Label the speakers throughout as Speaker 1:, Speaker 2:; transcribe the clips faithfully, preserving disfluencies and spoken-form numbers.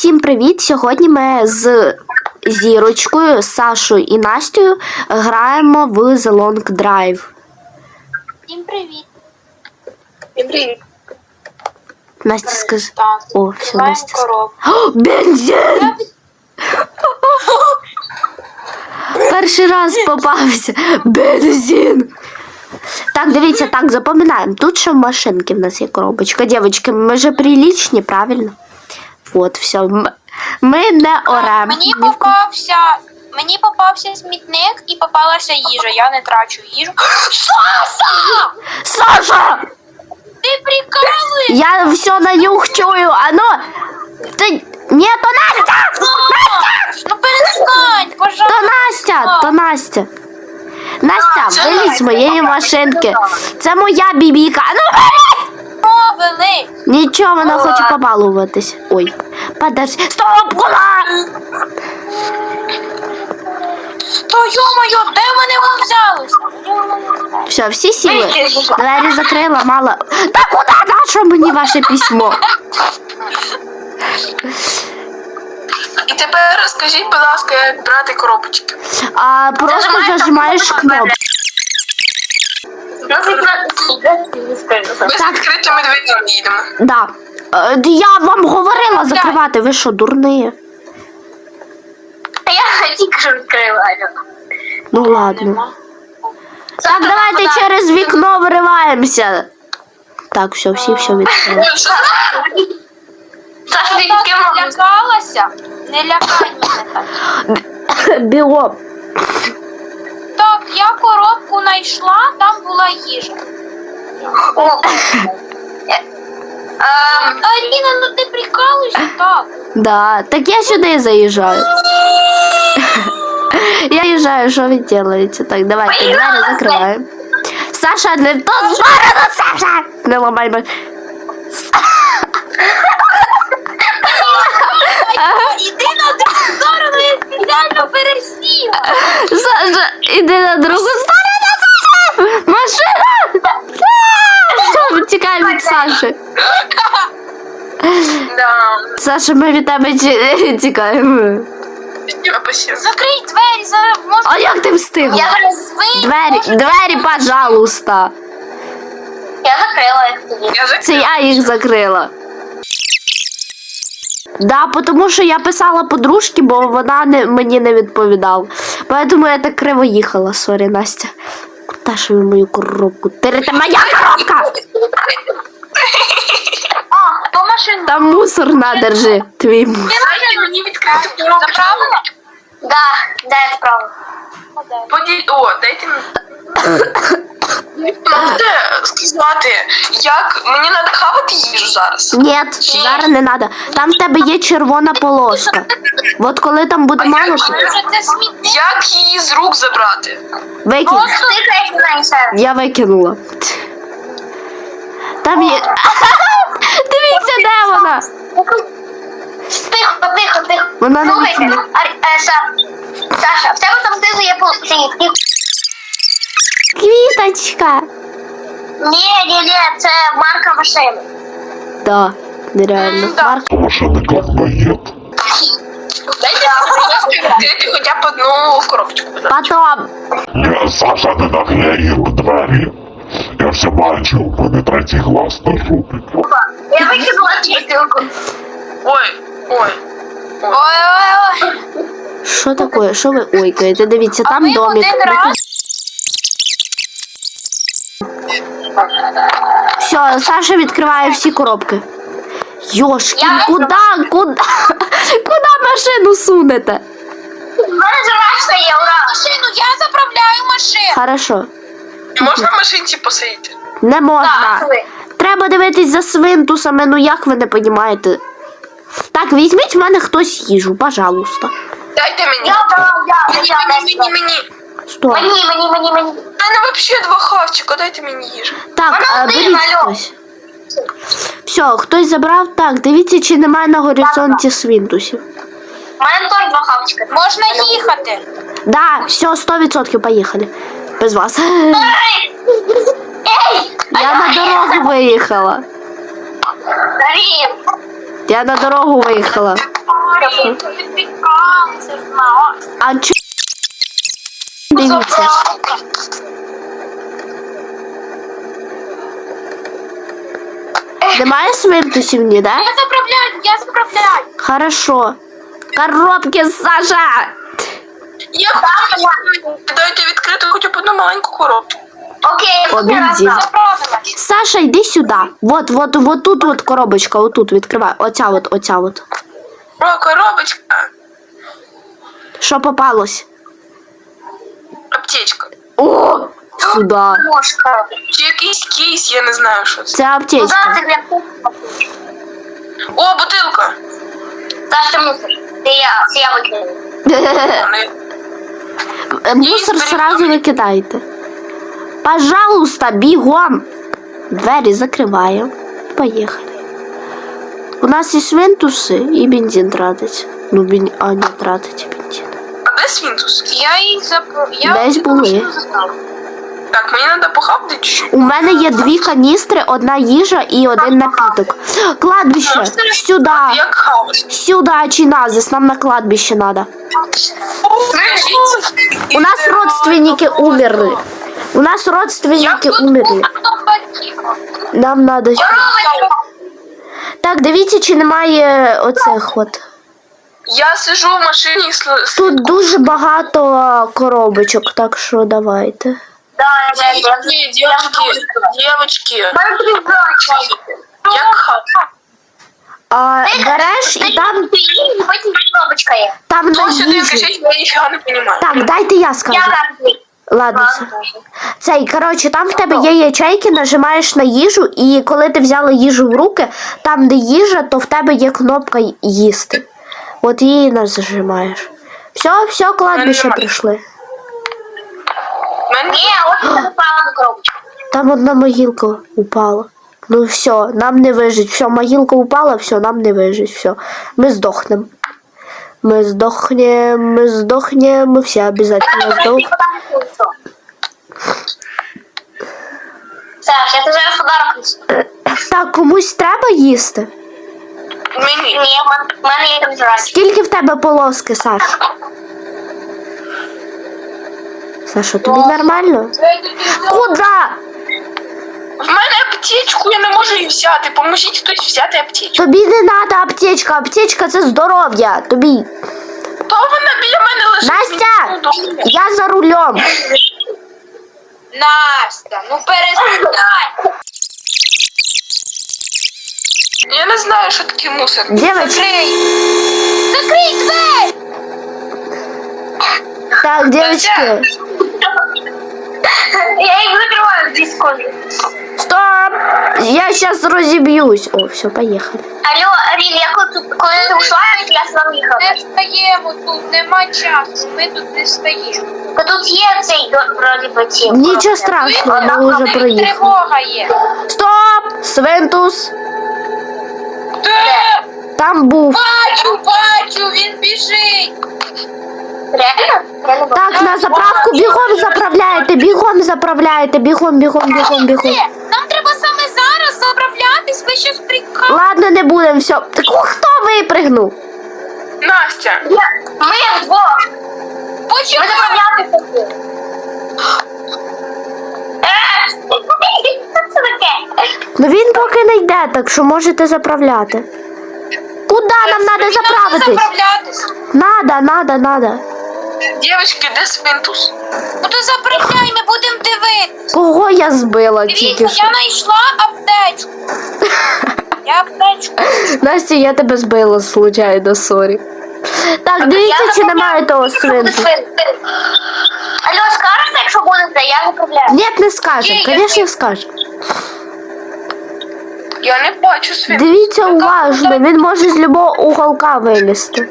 Speaker 1: Всім привіт! Сьогодні ми з Зірочкою, Сашою і Настею граємо в The Long Drive.
Speaker 2: Всім привіт!
Speaker 3: Всім привіт!
Speaker 1: Настя скажи.
Speaker 2: Так,
Speaker 1: О, все, Настя.
Speaker 2: коробку.
Speaker 1: О, бензин! Перший раз попався. Бензин! Так, дивіться, так, запам'ятаємо. Тут ще в машинки в нас є коробочка. Дівчатки, ми же приличні, правильно? От, все. Ми не орем.
Speaker 2: Мені попався, мені попався смітник і попалася їжа. Я не трачу їжу. Саша!
Speaker 1: Саша!
Speaker 2: Ти прикалуєш?
Speaker 1: Я все на нюх чую. Оно... Ты... Ні, то Настя!
Speaker 2: Настя! Ну перестань,
Speaker 1: То
Speaker 2: пожалуйста.
Speaker 1: Настя! То Настя! Настя, вилізь з моєї машинки. Це моя бібіка. А ну вилізь!
Speaker 2: Мовили.
Speaker 1: Нічого, вона хоче побалуватись. Ой, подожди. Стоп, куди?
Speaker 2: То йо-моє, де вони вам взялися?
Speaker 1: Все, всі сіли. Двері закрила, мало. Та куди? На що мені ваше письмо?
Speaker 3: І тепер розкажіть, будь ласка, як брати коробочки.
Speaker 1: А просто зажимаєш кнопку.
Speaker 3: Ми з відкритими дверями їдемо.
Speaker 1: Да. Е, Я вам говорила закривати, ви що, дурні?
Speaker 2: Я тільки що відкрила.
Speaker 1: Ну ладно. Так, давайте через вікно вириваємося. Так, все, всі все відкрили.
Speaker 2: Саша, ти так лякалася? Не лякай мене так.
Speaker 1: Біло.
Speaker 2: Так, я коробку знайшла, там була їжа. Аріна, ну ти прикалуєшся так?
Speaker 1: Да, так я сюди заїжджаю. Я їжджаю, що ви робите? Так, давайте, двері закриваємо. Саша, не в ту сторону, Саша! Не ламай мене.
Speaker 2: Іди на другу сторону, я спеціально пересіла.
Speaker 1: Саша, іди на другу сторону, Саша! Машина! Все, тікаємо від Саші.
Speaker 3: Да.
Speaker 1: Саша, ми від тебе ті- тікаємо.
Speaker 3: Спасибо.
Speaker 2: Закрий двері, зараз можна.
Speaker 1: А як ти встигла?
Speaker 2: зараз вийду.
Speaker 1: Двері, двері, пожалуйста.
Speaker 2: Я закрила їх тоді.
Speaker 3: Я
Speaker 1: Це
Speaker 3: закрив.
Speaker 1: я їх закрила. Да, тому що я писала подружці, бо вона не, мені не відповідала. Поэтому я так криво їхала. Сорі, Настя. Куда ж ви мою коробку? Ти це моя коробка!
Speaker 2: А, то машина.
Speaker 1: Там мусор на, держи. Твій мусор.
Speaker 3: Дайте мені відкрити коробочку.
Speaker 2: Заправила? Да, да, я справила.
Speaker 3: Поді... О, дайте мені. Можете сказати, як мені треба хавати їжу зараз?
Speaker 1: Ні, зараз не треба. Там в тебе є червона полоска. От коли там буде мало, то
Speaker 2: Може це смітник?
Speaker 3: Як її з рук забрати?
Speaker 1: викинь.
Speaker 2: Просто ти знаєш.
Speaker 1: Я викинула. Там є. Дивіться, де вона.
Speaker 2: Тихо, тихо, тихо.
Speaker 1: Вона не
Speaker 2: Слухайте,
Speaker 1: викинула.
Speaker 2: Ар- е, Са- Саша, в тебе там знизу є полиці.
Speaker 1: Квіточка.
Speaker 2: Ні, ні, ні, це марка машини.
Speaker 1: Да, нереально. Марк.
Speaker 4: Машина говноед.
Speaker 3: Дайте мені відкрити хоча б одну коробочку. будь ласка.
Speaker 1: Потом.
Speaker 4: Я Саша не наклеїв двері. Я все бачив, у мене третій глаз на жопі.
Speaker 2: Я викинула чистилку.
Speaker 3: Ой, ой.
Speaker 2: Ой-ой-ой.
Speaker 1: Що таке? Що ви ойкаєте? Дивіться,
Speaker 2: А
Speaker 1: там
Speaker 2: ми
Speaker 1: домик.
Speaker 2: один раз.
Speaker 1: Все, Саша відкриває всі коробки. Йошки,
Speaker 2: Я-
Speaker 1: куди, куди, куди машину сунете?
Speaker 2: У мене жирашка є, ура. Машину, я заправляю машину.
Speaker 1: Хорошо.
Speaker 3: Можна в машинці посидіти?
Speaker 1: Не можна.
Speaker 2: Так, ви.
Speaker 1: Треба дивитись за свинтусами, ну як ви не розумієте? Так, візьміть в мене хтось їжу, пожалуйста.
Speaker 3: Дайте мені.
Speaker 2: Я брала, я,
Speaker 3: Мені,
Speaker 2: я,
Speaker 3: мені, мені, мені.
Speaker 1: Стой.
Speaker 2: Мені, мені, мені, мені.
Speaker 3: У мене взагалі два хавчика, дайте мені їжу.
Speaker 1: Так,
Speaker 2: Вона
Speaker 1: а,
Speaker 2: один,
Speaker 1: беріть
Speaker 2: алло.
Speaker 1: хтось. Все, хтось забрав. Так, дивіться, чи немає на горизонті свинтусів.
Speaker 2: У мене теж два хавчика. Можна їхати.
Speaker 1: Да, все, сто відсотків поїхали. Без вас.
Speaker 2: Ей!
Speaker 1: Я на дорогу виїхала.
Speaker 2: Дарін!
Speaker 1: Я на дорогу виїхала.
Speaker 2: Підпікалися, знала.
Speaker 1: А чо? Дивіться. Немає свинтусів ні, да?
Speaker 2: Я заправляю, я заправляю.
Speaker 1: Хорошо. Коробки, Саша!
Speaker 3: Я хочу, дайте відкрити хоча б одну маленьку коробку.
Speaker 2: Окей,
Speaker 1: Обідзі.
Speaker 2: заправилась.
Speaker 1: Саша, йди сюди. Вот, вот, вот тут вот коробочка, отут відкривай. Оця от, оця от.
Speaker 3: О, коробочка.
Speaker 1: Що попалось?
Speaker 3: Аптечка.
Speaker 1: О! Сюди.
Speaker 2: Мошка.
Speaker 3: Чи якийсь кейс, я не знаю, що це.
Speaker 1: Це аптечка.
Speaker 2: це для
Speaker 3: О, бутилка.
Speaker 2: Саша мусор. Це я, це я викину.
Speaker 3: Вони-
Speaker 1: Мусор сразу викидайте. Пожалуйста, бігом. Двері закриваємо. Поїхали. У нас і свинтуси, і бензин тратить. Ну, бен... а не тратить бензин.
Speaker 3: А де свінтус?
Speaker 2: Я їх заправляю.
Speaker 1: Десь були.
Speaker 3: Так, мені треба похавати чуть-чуть.
Speaker 1: У мене є дві каністри, одна їжа і один напіток. Кладбище. Сюди.
Speaker 3: Як хаваш?
Speaker 1: Сюди, чиназис, нам на кладбище надо. У нас родственники умерли. У нас родственники умерли. Нам надо. Так, дивіться, чи немає оцих от.
Speaker 3: Я сижу в машині і сл... сл-
Speaker 1: Тут дуже багато коробочок, так що давайте.
Speaker 3: Девочки, девочки, девочки. Як хавати?
Speaker 1: А береш і там,
Speaker 2: Потім коробочка є.
Speaker 1: там на
Speaker 3: Хто сюди
Speaker 1: їжі.
Speaker 3: кричить, я ніфіга не розумію.
Speaker 1: Так, дайте я скажу.
Speaker 2: Я там.
Speaker 1: Ладно. все. Цей, коротше, там в тебе є ячейки, нажимаєш на їжу, і коли ти взяла їжу в руки, там, де їжа, то в тебе є кнопка їсти. От її нажимаєш. Все, все, кладбище
Speaker 3: Нажимаю.
Speaker 1: прийшли.
Speaker 3: Мене...
Speaker 2: Ні, от я запала на коробочку.
Speaker 1: Там одна могилка упала. Ну все, нам не вижить. Все, могилка упала, все, нам не вижить. Все, ми здохнем. Мы сдохнем, мы сдохнем, мы все обязательно сдохнем.
Speaker 2: Саш, я тобі зараз подарок несу.
Speaker 1: Так, комусь треба їсти?
Speaker 3: Мені.
Speaker 2: Ні, в мене є там жрачка.
Speaker 1: Скільки в тебе полоски, Саш? Саша, тобі нормально? Куда?
Speaker 3: В мене аптечку, я не можу її взяти. Поможіть хтось взяти аптечку.
Speaker 1: Тобі не треба аптечка, аптечка це здоров'я. Тобі.
Speaker 3: То вона біля мене лежить.
Speaker 1: Настя!
Speaker 3: Ну, добре.
Speaker 1: Я за рулем.
Speaker 2: Настя, ну перестань.
Speaker 3: Я не знаю, що таке мусор.
Speaker 1: Девочки.
Speaker 2: Закрий двері!
Speaker 1: Так, девочки.
Speaker 2: Я їх закриваю в дві секунди.
Speaker 1: Стоп! Я сейчас разобьюсь. О, все, поехали.
Speaker 2: Алло, Арін, я коли тут, коли ти ушла, я з вами їхала.
Speaker 5: Не встаємо, тут нема часу, ми тут не встаємо.
Speaker 2: Та тут є цей, вроді би, ці.
Speaker 1: Нічого страшного, ми вже
Speaker 5: Тут
Speaker 1: проїхали.
Speaker 5: тривога є.
Speaker 1: Стоп! Свинтус!
Speaker 5: Де?
Speaker 1: Там був.
Speaker 5: Бачу, бачу, він біжить.
Speaker 2: Реально? Я не бачу.
Speaker 1: Так, на заправку бігом заправляєте, бігом заправляєте, бігом, бігом, бігом, бігом.
Speaker 5: Де? Нам треба саме зараз заправлятись, ви щось прикали.
Speaker 1: Ладно, не будемо, все. Так о, хто випригнув?
Speaker 3: Настя,
Speaker 2: Я- Ми вдвох. Ми
Speaker 5: Почекай.
Speaker 2: заправляти. Е, Що це таке?
Speaker 1: Ну він поки не йде, так що можете заправляти. Куди нам треба заправитись?
Speaker 5: Заправлятись.
Speaker 1: Надо, надо, надо.
Speaker 3: дівчатки, де свинтус?
Speaker 5: Ну то заправляй, ми будемо дивитися.
Speaker 1: Кого я збила тільки
Speaker 5: Дивіться,
Speaker 1: що?
Speaker 5: я знайшла аптечку. Я аптечку.
Speaker 1: Настя, я тебе збила случайно, сорі. Так, дивіться, чи немає того свинту.
Speaker 2: Алло, скажете, якщо будете, я заправляю.
Speaker 1: Ні, не скажемо,
Speaker 5: Ні, я
Speaker 1: звісно, скажемо.
Speaker 3: Я не бачу свинтус.
Speaker 1: Дивіться уважно, він може з любого уголка вилізти.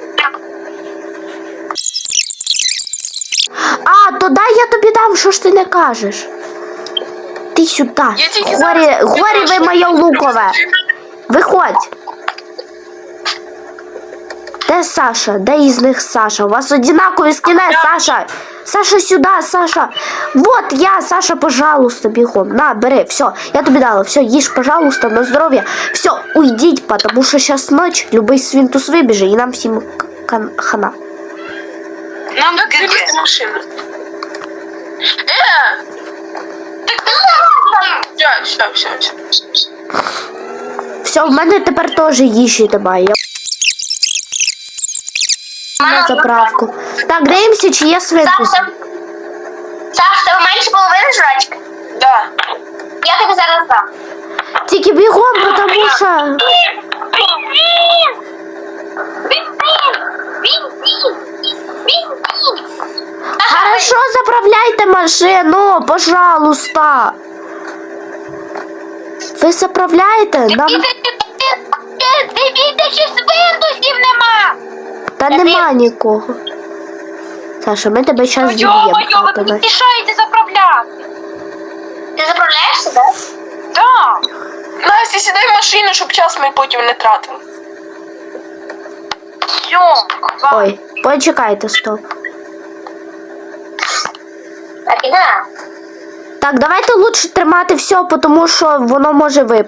Speaker 1: А, то дай я тобі дам, що ж ти не кажеш? Ти сюди.
Speaker 3: Я тільки
Speaker 1: Горі,
Speaker 3: зараз
Speaker 1: горі ви
Speaker 3: підійшла,
Speaker 1: моє
Speaker 3: що
Speaker 1: лукове.
Speaker 3: ти
Speaker 1: Виходь. Де Саша? Де із них Саша? У вас одинакові скини, Саша. Саша, сюди, Саша. Вот я, Саша, пожалуйста, бігом. На, бери, все, я тобі дала. Все, їж, пожалуйста, на здоров'я. Все, уйдіть, потому що зараз ніч, любий свинтус вибіже і нам всім кан- хана.
Speaker 2: Нам
Speaker 3: Як
Speaker 2: таки.
Speaker 3: вивезти машину? Е! Все, все, все, все.
Speaker 1: Все, в мене тепер теж їжі немає. Я на заправку. Так, дивимося, чи є свинки.
Speaker 5: Саш, тебе менше половини жрачки?
Speaker 3: Да.
Speaker 5: Я тобі зараз дам.
Speaker 1: Тільки бігом, тому що... Хорошо, заправляйте машину, пожалуйста. Ви заправляєте? Нам...
Speaker 5: Дивіться, чи свинтусів нема.
Speaker 1: Та нема нікого. Саша, ми тебе зараз
Speaker 2: Ну, йо-моє, ви
Speaker 1: зіб'ємо.
Speaker 2: мені мішаєте заправляти.
Speaker 5: Ти заправляєшся, так?
Speaker 2: Так.
Speaker 3: Настя, сідай в машину, щоб час ми потім не тратили.
Speaker 2: Все.
Speaker 1: Ой, почекайте, стоп.
Speaker 5: Так, іде.
Speaker 1: Так, давайте лучше тримати все, тому що воно може випасти.